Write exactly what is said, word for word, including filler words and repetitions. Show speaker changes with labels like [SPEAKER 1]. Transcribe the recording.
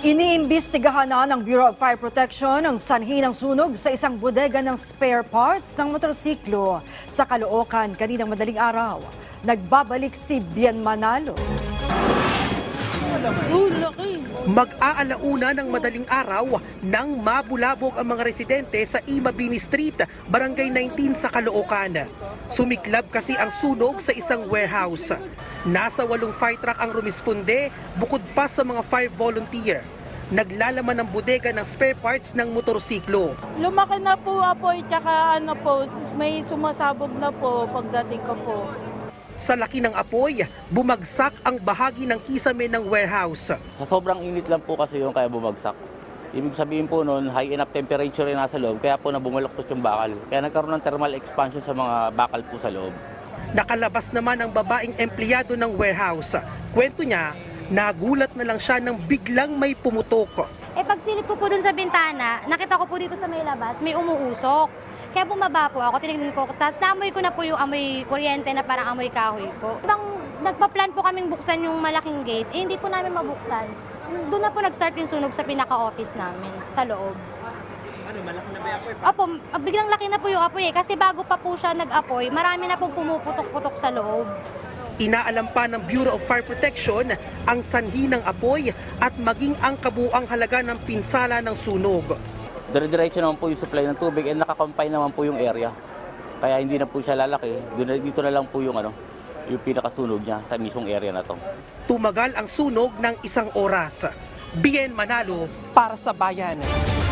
[SPEAKER 1] Iniimbestigahan na ng Bureau of Fire Protection ang sanhi ng sunog sa isang bodega ng spare parts ng motorsiklo sa Caloocan kaninang madaling araw. Nagbabalik si Bien Manalo.
[SPEAKER 2] Mag-aalauna ng madaling araw nang mabulabog ang mga residente sa Imabini Street, Barangay nineteen sa Caloocan. Sumiklab kasi ang sunog sa isang warehouse. Nasa walong fire truck ang rumisponde bukod pa sa mga fire volunteer. Naglalaman ng bodega ng spare parts ng motorsiklo.
[SPEAKER 3] Lumaki na po apoy, tsaka ano po, may sumasabog na po pagdating ko po.
[SPEAKER 2] Sa laki ng apoy, bumagsak ang bahagi ng kisame ng warehouse.
[SPEAKER 4] Sa sobrang init lang po kasi yung kaya bumagsak. Ibig sabihin po noon, high enough temperature yung nasa loob, kaya po na bumaluktot yung bakal. Kaya nagkaroon ng thermal expansion sa mga bakal po sa loob.
[SPEAKER 2] Nakalabas naman ang babaeng empleyado ng warehouse. Kwento niya, nagulat na lang siya nang biglang may pumutok.
[SPEAKER 5] Eh pagsilip ko po dun sa bintana, nakita ko po dito sa may labas, may umuusok. Kaya bumaba po ako, tinignan ko. Tapos naamoy ko na po yung amoy kuryente na parang amoy kahoy po. Ibang nagpa-plan po kaming buksan yung malaking gate, eh hindi po namin mabuksan. Doon na po nag-start yung sunog sa pinaka-office namin, sa loob.
[SPEAKER 6] Ano, malaki na ba yung apoy?
[SPEAKER 5] Opo, biglang laki na po yung apoy eh. Kasi bago pa po siya nag-apoy, marami na po pumuputok-putok sa loob.
[SPEAKER 2] Inaalam pa ng Bureau of Fire Protection ang sanhi ng apoy at maging ang kabuang halaga ng pinsala ng sunog.
[SPEAKER 4] Dire-diretso naman po yung supply ng tubig and nakakompine naman po yung area. Kaya hindi na po siya lalaki. Dito na lang po yung, ano, yung pinakasunog niya sa mismong area na to.
[SPEAKER 2] Tumagal ang sunog ng isang oras. Bien Manalo para sa Bayan.